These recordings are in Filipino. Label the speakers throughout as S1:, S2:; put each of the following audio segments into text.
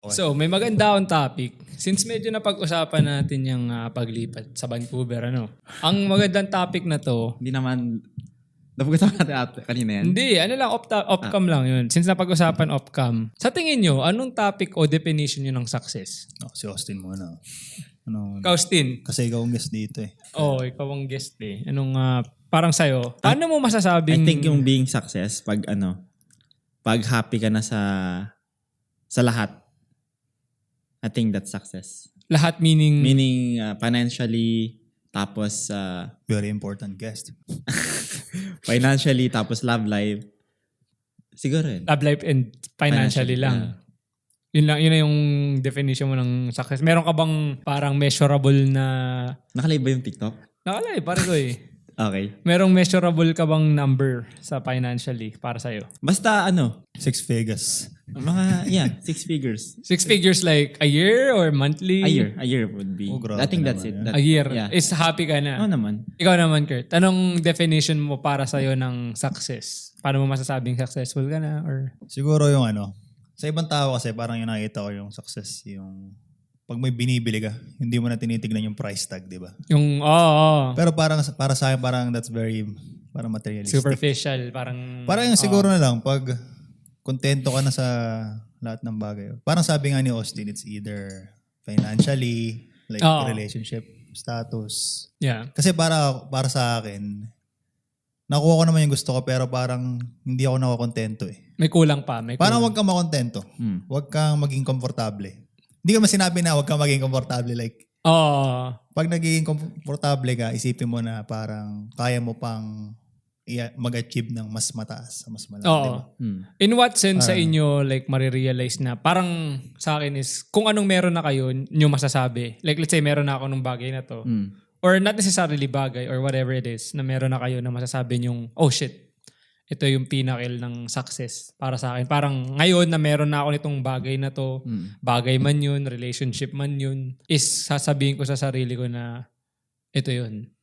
S1: So, may maganda akong topic. Since medyo napag-usapan natin yung paglipat sa Vancouver, Ang magandang topic na to,
S2: Hindi naman, napag-usapan natin kanina yan.
S1: hindi, off-cam lang yun. Since napag-usapan off-cam, sa tingin nyo, anong topic o definition nyo ng success?
S3: Si Austin muna.
S1: Kaustin.
S3: Kasi ikaw ang guest dito eh.
S1: Oo, ikaw ang guest eh. Parang sa'yo, paano mo masasabing...
S2: I think yung being success, pag happy ka na sa lahat, I think that's success.
S1: Lahat meaning...
S2: Meaning financially, tapos
S3: Very important guest.
S2: financially, tapos love life. Siguro yun.
S1: Love life and financially lang. Yun na yung definition mo ng success. Meron ka bang parang measurable na...
S2: Nakalive ba yung TikTok?
S1: Nakalay, pare ko eh.
S2: Okay.
S1: Merong measurable ka bang number sa financially para sa'yo?
S2: Basta
S3: 6 figures.
S2: mga 6 figures.
S1: 6 figures like a year or monthly?
S2: A year would be.
S3: Oh, grabe
S2: I think that's
S3: naman
S2: it.
S3: yan.
S1: A year.
S2: Yeah.
S1: Is happy ka na.
S2: Oo naman.
S1: Ikaw naman, Kurt. Anong definition mo para sa'yo ng success? Paano mo masasabing successful ka na? Or...
S3: Siguro yung sa ibang tao kasi parang yung nakita ko yung success, yung pag may binibili ka, hindi mo na tinitignan yung price tag, di ba?
S1: Yung,
S3: Pero para sa akin, parang that's very, parang materialistic.
S1: superficial. Parang
S3: Parang yung siguro na lang, pag kontento ka na sa lahat ng bagay. Parang sabi nga ni Austin, it's either financially, like relationship status.
S1: yeah.
S3: Kasi para sa akin, nakuha ko naman yung gusto ko pero parang hindi ako nakakontento eh.
S1: May kulang pa. May
S3: Parang
S1: kulang.
S3: huwag kang makontento. Huwag kang maging komportable. Hindi ka sinabi na huwag kang maging komportable. Like, pag naging komportable ka, isipin mo na parang kaya mo pang mag-achieve ng mas mataas, mas malaki.
S1: Oo.
S3: Diba?
S1: In what sense sa inyo like marirealize na parang sa akin is kung anong meron na kayo nyo masasabi. Like let's say meron na ako ng bagay na to. Or not necessarily bagay or whatever it is na meron na kayo na masasabi nyong oh shit, ito yung pinnacle ng success para sa akin. Parang ngayon na meron na ako nitong bagay na to, bagay man yun, relationship man yun, is sasabihin ko sa sarili ko na ito yun.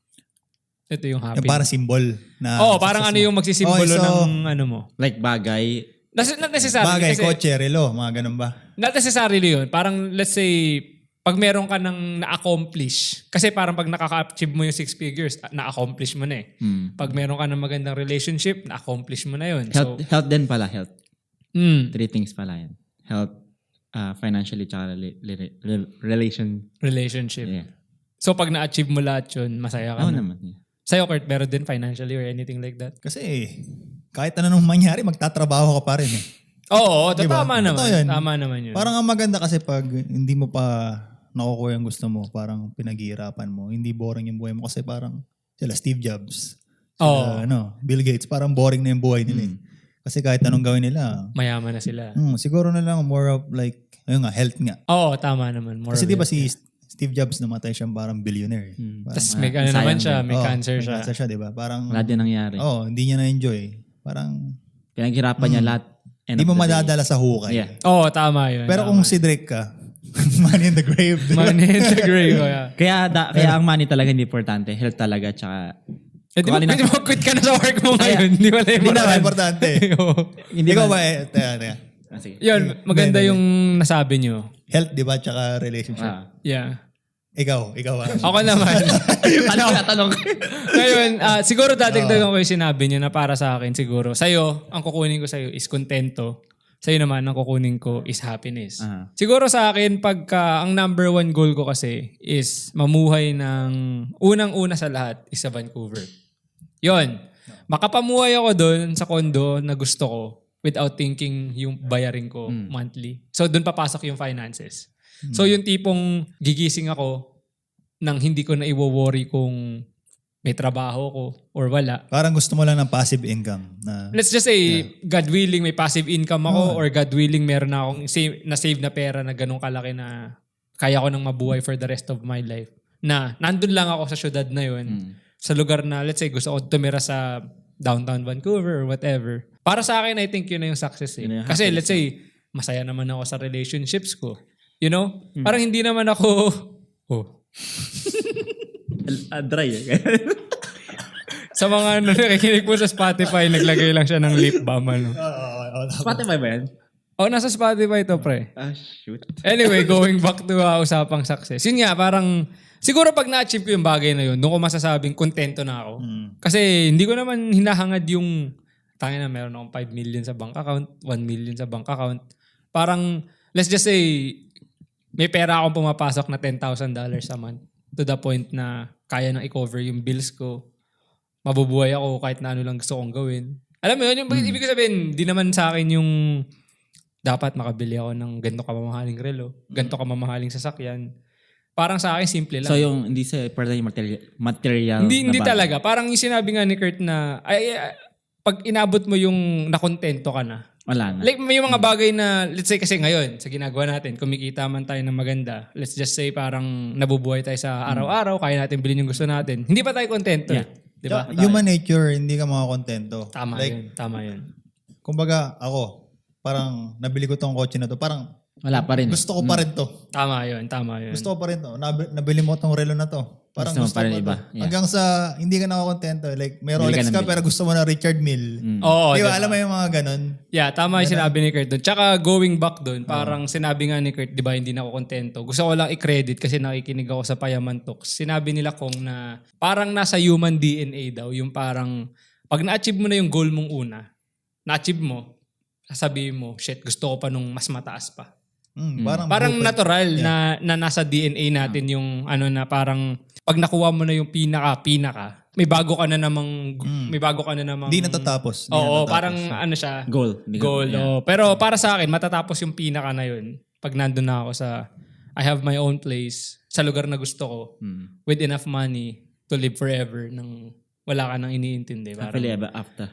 S1: Ito yung happy.
S3: Yung parang symbol na...
S1: parang ano yung magsisimbolo ng ano mo.
S2: Like bagay.
S1: Not necessarily.
S3: Bagay,
S1: kasi,
S3: kotse, relo, mga ganun ba?
S1: Not necessarily yun. Parang let's say, pag meron ka ng na-accomplish, kasi parang pag nakaka-achieve mo yung 6 figures, na-accomplish mo na eh. Pag meron ka ng magandang relationship, na-accomplish mo na yun.
S2: Health din pala, health. 3 things pala yan. Health, financially, tsaka
S1: Relationship.
S2: Yeah.
S1: So pag na-achieve mo lahat yun, masaya ka
S2: Oo
S1: na.
S2: naman. Yeah.
S1: Sa'yo, Kurt, meron din financially or anything like that?
S3: Kasi kahit ano nung mangyari, magtatrabaho ka pa rin eh.
S1: Oo,
S3: Diba?
S1: tama naman.
S3: Totoo yun.
S1: Tama naman yun.
S3: Parang ang maganda kasi pag hindi mo pa nakukuha yung gusto mo, parang pinaghihirapan mo. Hindi boring yung buhay mo kasi parang sila Steve Jobs, sila, Bill Gates, parang boring na yung buhay nila eh. Kasi kahit anong gawin nila,
S1: mayaman na sila.
S3: siguro na lang more of like, ayun nga, health nga.
S1: Oo, tama naman. More
S3: Kasi
S1: of
S3: di ba
S1: it.
S3: si Steve Jobs namatay siyang parang billionaire.
S1: Tapos may ano naman siya, may cancer siya.
S3: May cancer siya, di ba? Parang,
S2: Wala din nangyari.
S3: hindi niya na-enjoy. Parang,
S2: Pinaghirapan niya lahat.
S3: hindi mo madadala sa hukay.
S2: Yeah.
S1: Oo, tama yun.
S3: Pero kung si Drake ka, man in the grave. Di ba?
S1: Man in the grave. Yeah.
S2: Kaya ang money talaga hindi importante. Health talaga, tsaka...
S1: Di ba, pwede mo quit ka na sa work mo ngayon. Di ba
S3: Hindi na importante.
S2: Hindi
S3: Ikaw
S2: ba-
S3: ba, teka.
S2: Sige.
S1: Yun, maganda yung nasabi nyo.
S3: Health, di ba? Tsaka relationship.
S1: Yeah.
S3: Ikaw.
S1: Ako naman.
S2: Tanong.
S1: Ngayon, siguro dadagdagan ko yung sinabi niyo na para sa akin siguro. Sa'yo, ang kukunin ko sa'yo is kontento. Sa'yo naman, ang kukunin ko is happiness. Siguro sa akin, pagka ang number 1 goal ko kasi is mamuhay ng unang-una sa lahat is sa Vancouver. Yon. Makapamuhay ako doon sa condo na gusto ko without thinking yung bayarin ko monthly. So doon papasok yung finances. So yung tipong gigising ako nang hindi ko na iwo-worry kung may trabaho ko or wala.
S3: Parang gusto mo lang ng passive income. Na,
S1: Let's just say, God willing, may passive income ako or God willing, meron na akong save na pera na ganun kalaki na kaya ko nang mabuhay for the rest of my life. Na nandun lang ako sa syudad na yun. Sa lugar na, let's say, gusto ko tumira sa downtown Vancouver or whatever. Para sa akin, I think yun na yung success eh. Kasi let's say, masaya naman ako sa relationships ko. You know? Parang hindi naman ako...
S2: Dry eh.
S1: Sa mga nakikinig po sa Spotify, naglagay lang siya ng lip balm.
S2: Spotify ba yan?
S1: Nasa Spotify to, pre.
S2: Shoot.
S1: Anyway, going back to usapang success. Yun nga, parang siguro pag na-achieve ko yung bagay na yun, doon ko masasabing kontento na ako. Kasi hindi ko naman hinahangad yung tangina na meron akong 5 million sa bank account, 1 million sa bank account. Parang, let's just say, may pera akong pumapasok na $10,000 a month to the point na kaya nang i-cover yung bills ko. Mabubuhay ako kahit na ano lang gusto kong gawin. Alam mo yun, yung ibig ko sabihin, di naman sa akin yung dapat makabili ako ng ganito kamamahaling relo, ganito kamamahaling sasakyan. Parang sa akin, simple lang.
S2: So yung hindi sa part yung material
S1: Hindi
S2: na bagay.
S1: talaga. Parang yung sinabi nga ni Kurt na, pag inabot mo yung nakontento ka na.
S2: Wala na.
S1: Like may mga bagay na, let's say kasi ngayon, sa ginagawa natin, kumikita man tayo ng maganda, let's just say parang nabubuhay tayo sa araw-araw, kaya natin bilhin yung gusto natin. Hindi pa tayo kontento.
S2: Yeah.
S1: Diba?
S3: Human nature, hindi ka makakontento.
S1: Tama yun. Tama yun.
S3: Kumbaga, ako, parang nabili ko tong kotse na to. Parang
S2: Wala pa rin.
S3: gusto ko pa rin to.
S1: Tama yun. Tama yun.
S3: Gusto ko pa rin to. Nabili mo tong relo na to. Parang
S2: Gusto mo
S3: gusto
S2: pa
S3: ko
S2: rin
S3: pa
S2: iba.
S3: to.
S2: Yeah.
S3: Hanggang sa hindi ka nakakontento. Like, may
S2: Bili ka
S3: Rolex
S2: ng
S3: ka
S2: bili.
S3: pero gusto mo na Richard Mille.
S1: Oo.
S3: Di ba?
S1: diba?
S3: Alam mo yung mga ganun.
S1: Yeah, tama yung sinabi ni Kurt doon. Tsaka going back doon, parang sinabi nga ni Kurt, di ba, hindi na ako kontento. Gusto ko lang i-credit kasi nakikinig ako sa Payaman Talks. Sinabi nila kong na parang nasa human DNA daw, yung parang pag na-achieve mo na yung goal mong una, na-achieve mo, sasabihin mo, shit, gusto ko pa nung mas mataas pa. Parang
S3: open.
S1: natural na nasa DNA natin yung ano na parang pag nakuha mo na yung pinaka, may bago ka na namang
S3: Hindi natatapos.
S1: Oo, parang ano siya,
S2: Goal.
S1: goal.
S2: Yeah.
S1: Oh. Pero para sa akin, matatapos yung pinaka na yun. Pag nandun na ako sa, I have my own place, sa lugar na gusto ko, with enough money to live forever nang wala ka nang iniintindi. Parang,
S2: Happily ever after.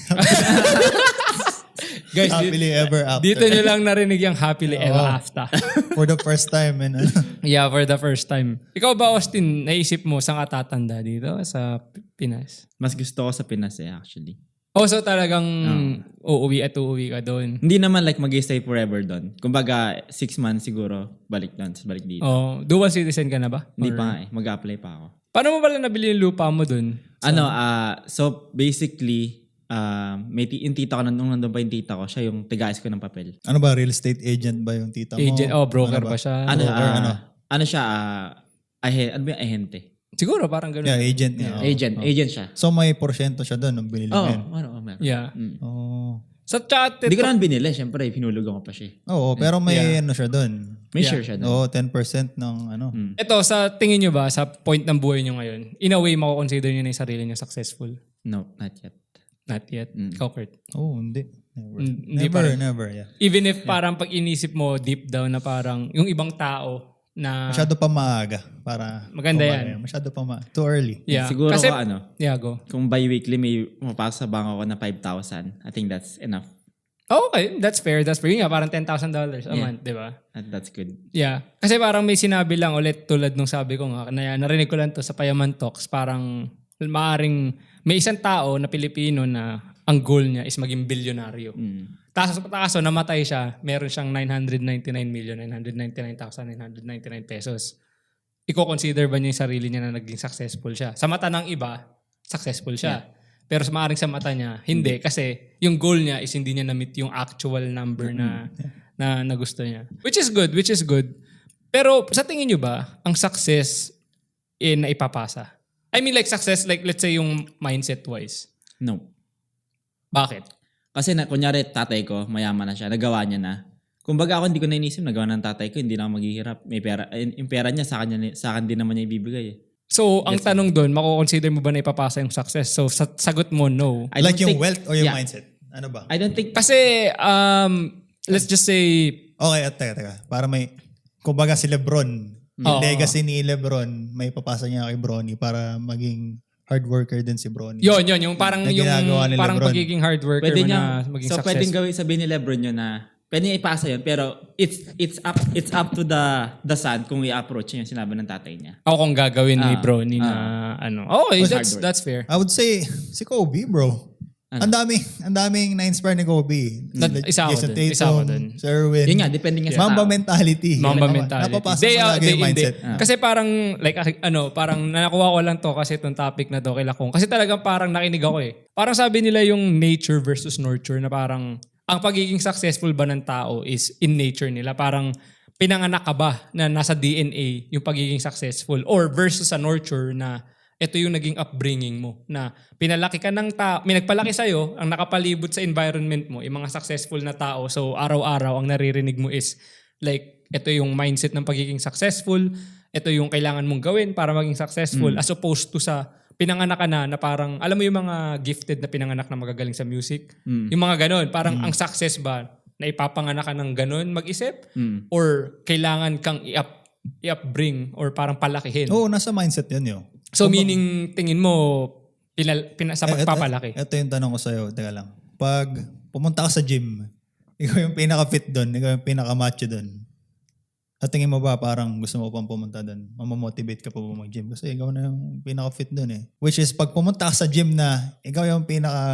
S1: guys,
S3: Happily ever after.
S1: dito nyo lang narinig yung happily ever after.
S3: For the first time. And,
S1: Yeah, for the first time. Ikaw ba, Austin, naisip mo saan ka tatanda dito sa Pinas?
S2: Mas gusto ko sa Pinas actually.
S1: Oh, so talagang uuwi ka doon.
S2: Hindi naman like mag-stay forever doon. Kumbaga 6 months siguro balik doon, balik dito.
S1: Oh, dual citizen ka na ba?
S2: Hindi pa nga mag-apply pa ako.
S1: Paano mo pala nabili yung lupa mo doon?
S2: So basically, yung tita ko, nung nandun pa yung tita ko, siya yung tigaayos ko ng papel.
S3: ano ba, real estate agent ba yung tita mo?
S1: Agent, broker ba siya?
S2: Ano siya, ano ba yung ahente?
S1: Siguro parang ganun.
S3: Yeah, agent niya.
S2: Agent siya.
S3: So may porsyento siya doon nung binili mo yun.
S2: Meron.
S1: Yeah.
S3: Oh.
S1: Sa chat,
S2: Hindi ko naman binili, syempre, pinulugan ko pa siya.
S3: Oo, pero may ano siya doon.
S2: May share siya doon.
S3: Oo, 10% ng ano.
S1: ito, sa tingin nyo ba, sa point ng buhay nyo ngayon, in a way, mako-consider nyo na yung sarili nyo successful?
S2: No, not yet.
S1: Not yet. Ikaw, Kurt.
S3: Oh, hindi.
S1: Hindi pa rin.
S3: Never, yeah.
S1: Even if parang pag inisip mo deep down na parang yung ibang tao na...
S3: Masyado pa maaga para...
S1: Maganda yan.
S3: Masyado pa too early.
S1: Yeah.
S2: Siguro
S1: Kasi,
S2: ko
S1: Yeah, go.
S2: kung bi-weekly may mapasok sa bangko ko na 5,000, I think that's enough.
S1: Oh, okay, that's fair. That's fair. Yun nga, parang $10,000 a month, di ba?
S2: That's good.
S1: Yeah. Kasi parang may sinabi lang ulit tulad nung sabi ko nga, na narinig ko lang to sa Payaman Talks, parang maaring may isang tao na Pilipino na ang goal niya is maging bilyonaryo. Kaso namatay siya, meron siyang 999,999,999 pesos. Iko-consider ba niya yung sarili niya na naging successful siya? Sa mata ng iba, successful siya. Pero maaring sa mata niya, hindi. Kasi yung goal niya is hindi niya na-meet yung actual number na gusto niya. Which is good. Pero sa tingin niyo ba, ang success na ipapasa? I mean like success, like let's say yung mindset-wise.
S2: No.
S1: Bakit?
S2: Kasi kunyari tatay ko, mayaman na siya, nagawa niya na. Kumbaga ako hindi ko na inisip, nagawa ng tatay ko, hindi na ako maghihirap. May pera, yung pera niya sa akin din naman niya ibibigay eh.
S1: So, ang tanong doon, mako-consider mo ba na ipapasa yung success? So, sagot mo, no.
S2: I
S3: Like
S2: don't
S3: yung
S2: think-
S3: wealth or yung
S2: yeah.
S3: mindset? Ano ba?
S2: I don't think,
S1: Kasi, let's just say,
S3: Okay, teka. Para may... Kumbaga si Lebron, yung legacy ni Lebron, may papasa niya kay Bronny para maging hard worker din si Bronny.
S1: yun, yung parang
S3: Na ginagawa ni
S1: parang
S3: Lebron.
S1: pagiging hard worker
S2: pwede
S1: mo
S2: niya,
S1: na maging
S2: so
S1: successful.
S2: pwedeng gawin, sabihin ni Lebron yun na, pwede niya ipasa yun, pero it's up to the son kung i-approach niya yung sinabi ng tatay niya.
S1: Ako kung gagawin ni Bronny na ano. Okay, that's fair.
S3: I would say, si Kobe, bro. Ang daming na-inspire ni Kobe.
S1: Isa ako
S3: Jason
S1: dun, isa ako dun.
S3: Sir Irwin.
S2: Yun nga, depende nga sa
S3: Mamba
S2: tao.
S3: mentality.
S1: Mamba mentality.
S3: Napapasok
S1: Day
S3: mo
S1: out,
S3: lagi
S1: day
S3: yung
S1: in,
S3: mindset.
S1: day. Kasi parang, like, parang nakuha ko lang to kasi itong topic na to kay Lakong. Kasi talagang parang nakinig ako eh. Parang sabi nila yung nature versus nurture na parang, ang pagiging successful ba ng tao is in nature nila? Parang pinanganak ka ba na nasa DNA yung pagiging successful? Or versus sa nurture na ito yung naging upbringing mo na pinalaki ka ng tao, may nagpalaki sa'yo, ang nakapalibot sa environment mo, yung mga successful na tao. So araw-araw ang naririnig mo is like, ito yung mindset ng pagiging successful, ito yung kailangan mong gawin para maging successful as opposed to sa pinanganak ka na parang, alam mo yung mga gifted na pinanganak na magagaling sa music? Yung mga ganon, parang ang success ba na ipapanganak ka ng ganon mag-isip? Or kailangan kang i-upbring or parang palakihin?
S3: Oo, nasa mindset yun.
S1: So meaning tingin mo sa pagpapalaki?
S3: Ito yung tanong ko sa'yo. Teka lang. Pag pumunta ka sa gym, ikaw yung pinaka-fit doon, ikaw yung pinaka-macho doon. At tingin mo ba parang gusto mo pang pumunta doon? Mamamotivate ka pa ba mag-gym? Kasi ikaw na yung pinaka-fit doon eh. Which is pag pumunta ka sa gym na, ikaw yung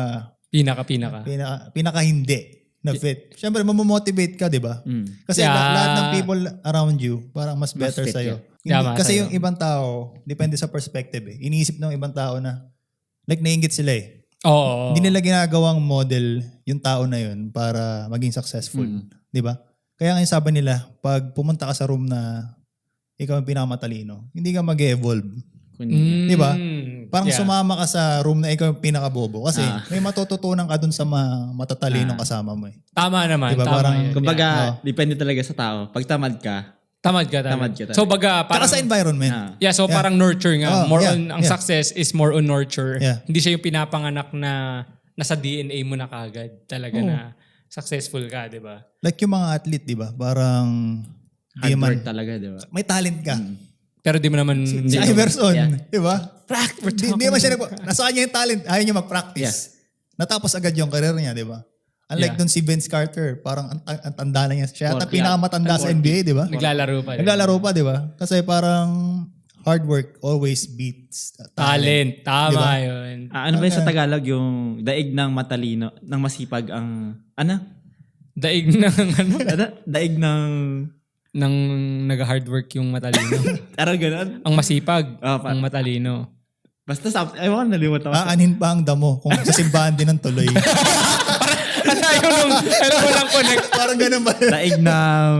S3: pinaka hindi na fit. Siyempre, mamamotivate ka, di ba? Kasi lahat ng people around you, parang mas better
S2: fit
S3: sa'yo.
S1: sa'yo.
S3: Kasi yung ibang tao, depende sa perspective eh. Iniisip ng ibang tao na, like naiingit sila eh.
S1: Oo.
S3: Hindi nila ginagawang model yung tao na yun para maging successful. Di ba? Kaya nga yung sabi nila, pag pumunta ka sa room na ikaw yung pinakamatalino, hindi ka mag-evolve. Di ba? Parang sumama ka sa room na ikaw yung pinakabobo. Kasi may matututunan ka dun sa matatalinong kasama mo eh.
S1: Tama naman.
S3: Diba?
S1: Tama
S3: Parang,
S1: yun.
S2: Kumbaga, depende talaga sa tao. Pag tamad ka.
S1: So baga, parang,
S3: tsaka sa environment.
S1: so parang nurture nga. Ang
S3: Yeah.
S1: success is more on nurture.
S3: Yeah.
S1: Hindi siya yung pinapanganak na nasa DNA mo na kagad. Talaga na successful ka, di ba?
S3: Like yung mga athlete, di ba? Parang
S2: Hard work talaga, di ba?
S3: may talent ka.
S1: Pero di mo naman...
S3: Si Iverson, di ba?
S1: Practice.
S3: Hindi naman siya nasa kanya yung talent. Ayaw niya mag-practice. Natapos agad yung career niya, di ba? Unlike dun si Vince Carter, parang ang tanda na niya. Siya ata pinakamatanda sa NBA, di ba?
S1: Naglalaro pa.
S3: Naglalaro pa, di ba? Kasi parang hard work always beats
S1: Talent. Tama
S3: Diba?
S1: yun.
S2: Ano ba yung sa Tagalog yung daig ng matalino, ng masipag ang...
S1: Daig ng
S2: Daig ng...
S1: ng nag-hard work yung matalino.
S2: Parang ganun.
S1: Ang masipag, ang matalino.
S2: Basta ewan, nalimutan ko.
S3: Aanin pa ang damo kung sa simbahan din ng tuloy.
S1: Walang connect.
S3: Parang ganun ba?
S2: Daig ng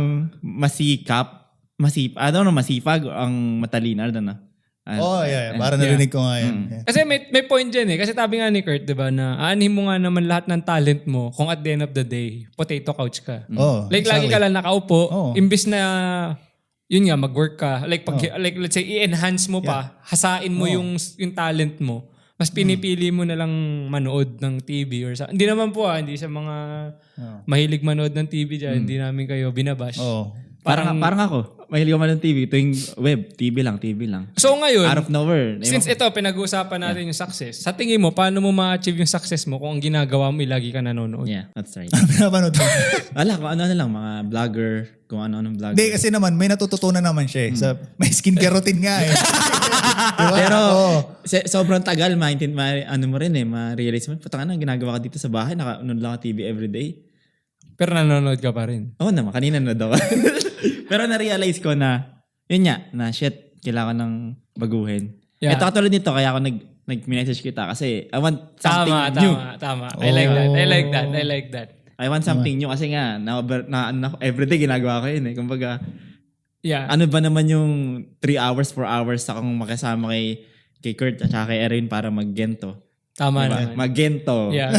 S2: masipag ang matalino.
S3: Yeah. Parang narinig ko nga yan. Yeah.
S1: Kasi may point dyan eh. Kasi tabi nga ni Kurt, di ba, na aanhin mo nga naman lahat ng talent mo kung at the end of the day, potato couch ka. Like, lagi ka lang nakaupo. Imbis na, yun nga, mag-work ka. Like, like let's say, i-enhance mo pa, hasain mo yung talent mo. Mas pinipili mo na lang manood ng TV or sa... Hindi naman po hindi sa mga mahilig manood ng TV dyan. Hindi namin kayo binabash.
S2: Parang ako. Mahilig ko man ng TV. Tuwing web, TV lang.
S1: So ngayon,
S2: out of nowhere.
S1: since ito, pinag-uusapan natin yung success, sa tingin mo, paano mo ma-achieve yung success mo kung ang ginagawa mo, lagi ka nanonood?
S2: Yeah, that's right.
S3: Pinapanood mo.
S2: Wala, kung ano lang, mga vlogger, kung ano-anong vlogger.
S3: Hindi, kasi naman, may natututunan naman siya eh. May skincare routine nga eh. Diba?
S2: Pero, sobrang tagal, ano mo rin ma-realize mo, putang ang ginagawa ka dito sa bahay, naka-unod lang ka TV everyday.
S1: Pero nanonood ka pa rin.
S2: Oo naman, kanina na daw. Pero na-realize ko na, yun nga, na shit, kailangan ng baguhin.
S1: Yeah.
S2: Ito katulad nito, kaya ako nag-message kita kasi I want something new.
S1: Tama. I like that.
S2: I want something new kasi nga, everyday ginagawa ko yun eh. Kumbaga, ano ba naman yung 3 hours, 4 hours akong makasama kay Kurt at saka kay Erin para mag-gento.
S1: Tama
S2: diba?
S1: naman.
S2: Mag-gento.
S1: Yeah.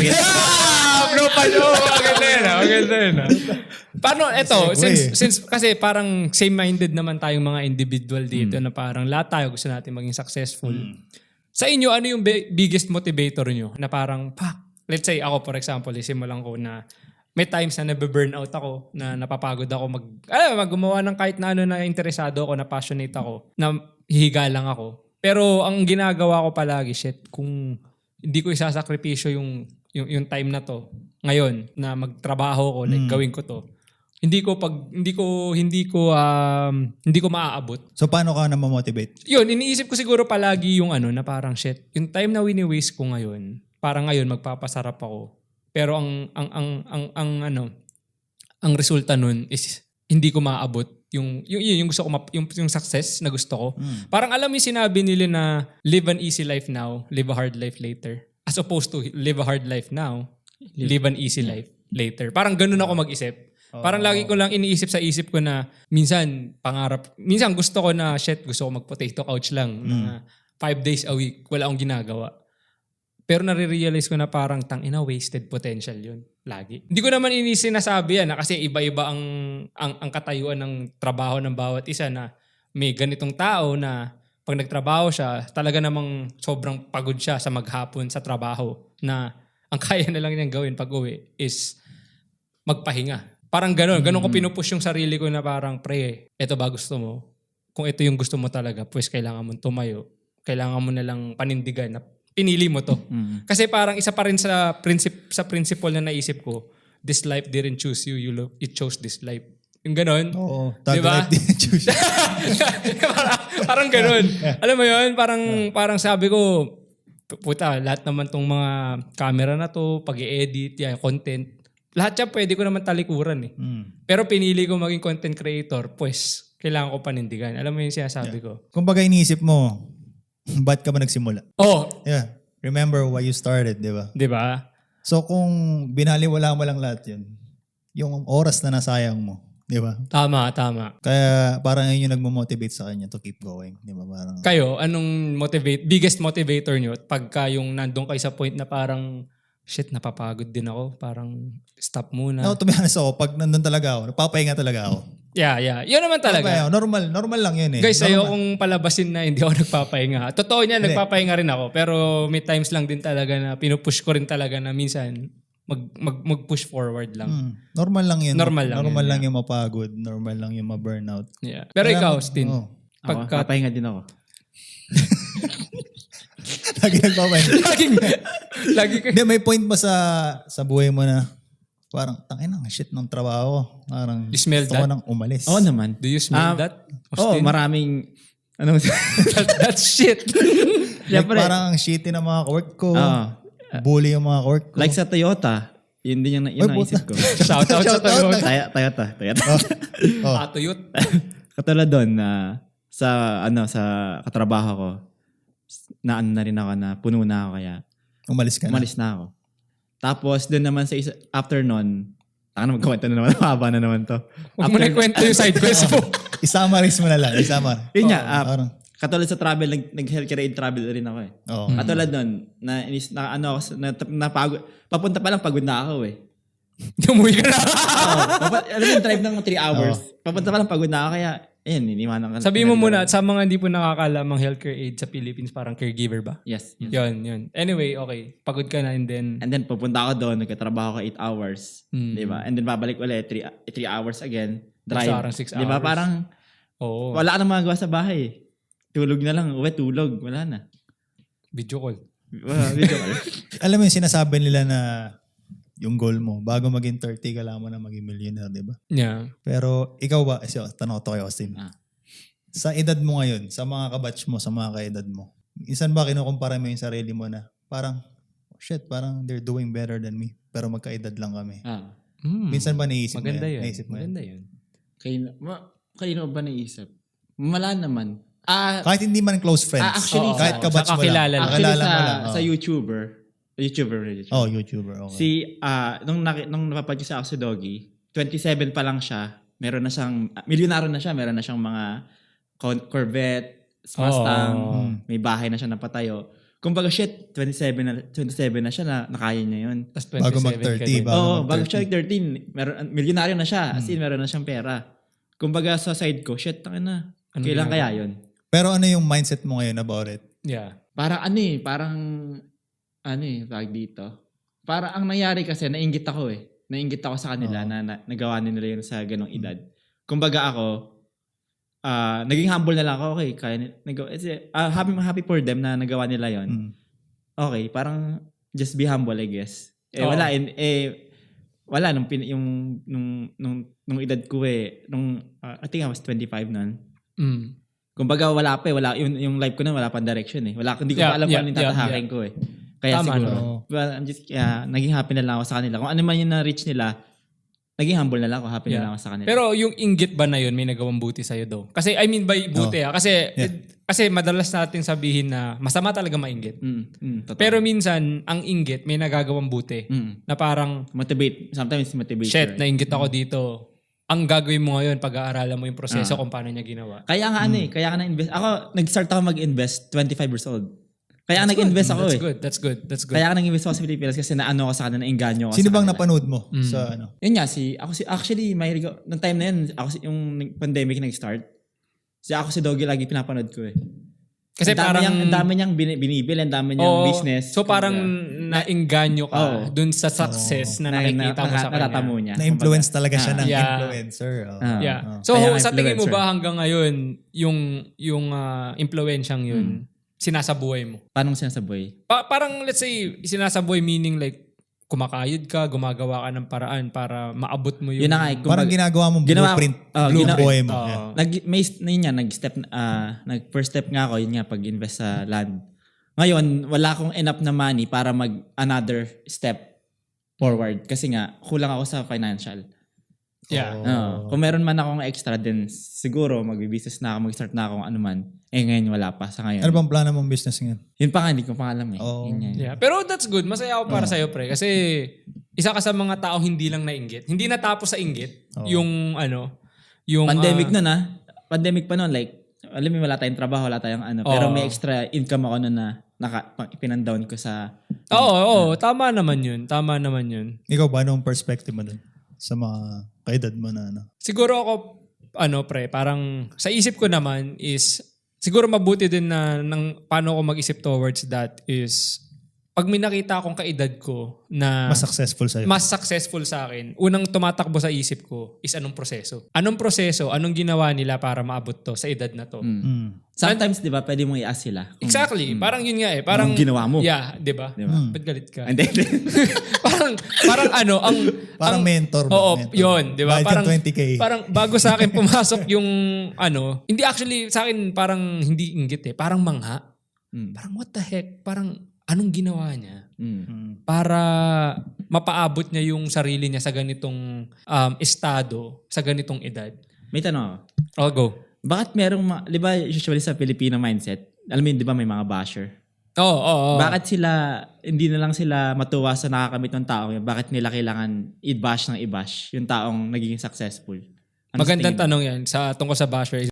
S1: Maganda yun. Paano, eto, since kasi parang same-minded naman tayong mga individual dito na parang lahat tayo gusto natin maging successful. Sa inyo, ano yung biggest motivator nyo? Na parang, let's say ako for example, isimulan ko na may times na nabe-burn out ako, na napapagod ako gumawa ng kahit na ano na interesado ako, na passionate ako, na hihiga lang ako. Pero ang ginagawa ko palagi, kung hindi ko isasakripisyo yung time na to ngayon na magtrabaho ko, like gawin ko to, hindi ko maaabot.
S3: So paano ka na ma-motivate?
S1: Yun, iniisip ko siguro palagi yung na parang yung time na wini-waste ko ngayon, parang ngayon magpapasarap ako. Pero ang resulta nun is hindi ko maaabot yung gusto ko yung success na gusto ko. Parang alam mo yung sinabi nila na live an easy life now, live a hard life later. As opposed to live a hard life now, live an easy life. later. Parang ganun ako mag-isip. Parang lagi ko lang iniisip sa isip ko na minsan gusto ko na gusto ko mag-potato couch lang na 5 days a week, wala akong ginagawa. Pero nare-realize ko na parang tangina wasted potential yun. Lagi. Hindi ko naman sinasabi yan kasi iba-iba ang katayuan ng trabaho ng bawat isa na may ganitong tao na pag nagtrabaho siya, talaga namang sobrang pagod siya sa maghapon sa trabaho na ang kaya na lang niyang gawin pag uwi is magpahinga. Parang ganun ko pinupush yung sarili ko na parang eto ba gusto mo? Kung ito yung gusto mo talaga, pues kailangan mo tumayo. Kailangan mo na lang panindigan na pinili mo to. Kasi parang isa pa rin sa principle na naisip ko, this life didn't choose you, it chose this life. Yung ganon.
S3: Oo.
S1: Diba?
S3: Life didn't choose you.
S1: parang ganon. Alam mo yun, parang sabi ko, puta, lahat naman tong mga camera na to, pag-i-edit, content, lahat siya pwede ko naman talikuran eh. Pero pinili ko maging content creator, pues kailangan ko panindigan. Alam mo yung sinasabi ko?
S3: Kumbaga iniisip mo, ba't ka ba nagsimula? Yeah. Remember why you started, di ba?
S1: Di ba?
S3: So kung binaliwala mo lang lahat yun, yung oras na nasayang mo, di ba?
S1: Tama.
S3: Kaya parang yun yung nagmo-motivate sa kanya to keep going. Di ba? Parang,
S1: kayo, anong biggest motivator nyo pagka yung nandun kayo sa point na parang shit, napapagod din ako. Parang stop muna.
S3: no, to be honest ako, pag nandun talaga ako, napapahinga talaga ako.
S1: Yeah. Yun naman talaga.
S3: Normal lang yun eh.
S1: Guys,
S3: normal.
S1: ayokong palabasin na hindi ako nagpapahinga. Totoo niya, nagpapahinga rin ako. Pero may times lang din talaga na pinupush ko rin talaga na minsan mag-push forward lang.
S3: Normal lang yun.
S1: Normal lang
S3: yung mapagod. Normal lang yung ma-burnout.
S1: Yeah. Pero ikaw, Stin.
S2: Pagka pahinga din ako.
S3: Lagi nagpapahinga.
S1: Lagi ka.
S3: Hindi, may point ba sa buhay mo na parang, tangina, shit ng trabaho. Parang,
S1: you smell
S3: gusto
S1: that?
S3: ko nang umalis.
S2: Oo naman.
S1: Do you smell that?
S2: Maraming,
S1: That's shit.
S3: Like, parang ang shitty ng mga work ko. Bully yung mga work ko.
S2: Like sa Toyota, yun din yung naisip ko.
S1: Shout out sa Toyota.
S2: Toyota.
S1: Patuyot.
S2: Katulad doon na sa katrabaho ko, na rin ako na puno na ako kaya umalis na ako. Tapos doon naman sa after nun, magkwento na naman, haba na naman to.
S1: Huwag mo na kwento yung side quest mo.
S3: I-summarize mo na lang.
S2: Yun nga, katulad sa travel, nag-healthcare aid travel rin ako eh. Katulad nun, napagod, papunta pa lang pagod na ako eh.
S1: Umuwi ka na.
S2: Alam mo yung drive ng 3 hours. Papunta pa lang pagod na ako kaya, iniwanan ka.
S1: Sabihin mo muna, sa mga hindi po nakakalamang healthcare aid sa Philippines, parang caregiver ba?
S2: Yes.
S1: Yun. Anyway, okay. Pagod ka na and then
S2: pupunta ako doon, nagkatrabaho ko 8 hours. Diba? And then babalik ulit, 3 hours again. Drive.
S1: Parang 6 hours.
S2: Diba? Parang, wala ka nang magagawa sa bahay. Tulog na lang. Tulog. Wala na.
S1: Video call.
S2: Video call.
S3: Alam mo yung sinasabi nila na yung goal mo, bago maging 30, kailangan mo na maging millionaire, di ba?
S1: Yeah.
S3: Pero ikaw ba, tanong ko kay Austin, sa edad mo ngayon, sa mga kabatch mo, sa mga kaedad mo, minsan ba kinukumpara mo yung sarili mo na parang, parang they're doing better than me, pero magkaedad lang kami. Minsan ba naisip
S1: Maganda
S3: mo yan?
S1: Maganda yun.
S2: Kayo ba naisip? Wala naman.
S3: Kahit hindi man close friends.
S2: Actually,
S3: kahit kabatch mo lang.
S1: Kakilala
S3: lang.
S2: Sa YouTuber. YouTuber.
S3: Okay.
S2: Nung napapad ko sa Axo Doggy, 27 pa lang siya. Meron na siyang, milyonaryo na siya. Meron na siyang mga Corvette, Mustang, may bahay na siya napatayo. Kumbaga 27 na siya na nakaya niya yun.
S3: Bago mag-30.
S2: Bago siya mag-13. Milyonaryo na siya. As in, meron na siyang pera. Kumbaga sa side ko, kailan kaya yun?
S3: Pero ano yung mindset mo ngayon about it?
S1: Yeah.
S2: Tawag dito. Para ang nangyari kasi, nainggit ako sa kanila na nagawa nila yun sa ganong edad. Kumbaga ako, naging humble na lang ako. Okay, happy for them na nagawa nila yun. Okay, parang just be humble, I guess. Wala nung edad ko I think I was 25 nun. Kumbaga wala pa yung life ko na wala pang direction eh. Hindi ko pa alam kung anong tatahakin ko eh. Kaya
S1: tama,
S2: siguro, naging happy na lang ako sa kanila. Kung ano man yung na-reach nila, naging humble na lang ako. Happy na lang ako sa kanila.
S1: Pero yung inggit ba na yun, may nagawang buti sa'yo daw? Kasi, I mean by buti kasi madalas natin sabihin na masama talaga mainggit. Pero minsan, ang inggit, may nagagawang buti. Na parang,
S2: motivate. Sometimes motivate.
S1: shit, nainggit ako dito. Ang gagawin mo ngayon, pag-aaralan mo yung proseso kung paano niya ginawa.
S2: Kaya nga kaya nga na-invest. Ako, nag-start ako mag-invest 25 years old. Kaya nag-invest ako
S1: That's good.
S2: Kaya nag-invest ako sa Pilipinas kasi naano ako sa kanila, nainganyo ako
S3: Sino
S2: sa
S3: bang
S2: kanila.
S3: napanood mo sa ano?
S2: Yun nga, actually, mahilig ako, nung time na yun, yung pandemic nag-start, ako si Doggy lagi pinapanood ko eh.
S1: Kasi
S2: ang dami niyang binibili, ang dami niyang business.
S1: So parang nainganyo ka dun sa success na nakikita mo sa kanya.
S2: Natatamo niya.
S3: Na-influence talaga siya ng influencer.
S1: So sa tingin mo ba hanggang ngayon, yung influensyang yun, sinasabuhay mo?
S2: Paano sinasabuhay?
S1: Parang let's say, sinasabuhay meaning like, kumakayod ka, gumagawa ka ng paraan para maabot mo yung...
S2: Yun na nga,
S3: parang ginagawa mo blueprint, blueprint mo.
S2: First step nga ako, yun nga, pag-invest sa land. Ngayon, wala akong enough na money para another step forward. Kasi nga, kulang ako sa financial. Kung meron man akong extra, then siguro mag-business na ako, mag-start na ako ano man. Ngayon wala pa sa ngayon.
S3: Ano bang plano mong business ngayon?
S2: Yun pa nga, hindi ko pa alam eh.
S1: Pero that's good. Masaya ako para sa'yo, pre. Kasi isa ka sa mga tao hindi lang nainggit. Hindi natapos sa inggit. Yung
S2: pandemic pandemic pa nun, like, alam mo, wala tayong trabaho, wala tayong pero may extra income ako nun na pinandown ko sa...
S1: Tama naman yun.
S3: Ikaw ba, anong perspective mo dun? Sa mga kaedad mo na ano?
S1: Siguro ako, pre, parang sa isip ko naman is, siguro mabuti din na paano ako mag-isip towards that is, pag may nakita akong kaedad ko na
S3: mas successful sa'yo.
S1: Mas successful sa akin, unang tumatakbo sa isip ko is anong proseso. Anong ginawa nila para maabot to sa edad na to.
S2: Sometimes, di ba, pwede mong i-ask sila.
S1: Exactly. Parang yun nga eh. Parang,
S2: anong ginawa mo?
S1: Yeah, di ba? Ba't galit ka?
S2: Hindi.
S3: Parang mentor mo.
S1: Oo, yun. Di ba?
S3: Parang 20K.
S1: Parang bago sa akin pumasok yung hindi actually sa akin parang hindi inggit eh. Parang mangha. Parang what the heck? Parang anong ginawa niya para mapaabot niya yung sarili niya sa ganitong estado, sa ganitong edad?
S2: May tanong ako.
S1: I'll go.
S2: Bakit di ba usually sa Filipino mindset, alam mo yun, di ba may mga basher?
S1: Oo.
S2: Bakit hindi na lang sila matuwa sa nakakamit ng taong yun? Bakit nila kailangan i-bash yung taong naging successful?
S1: Magandang tanong yan tungkol sa basher.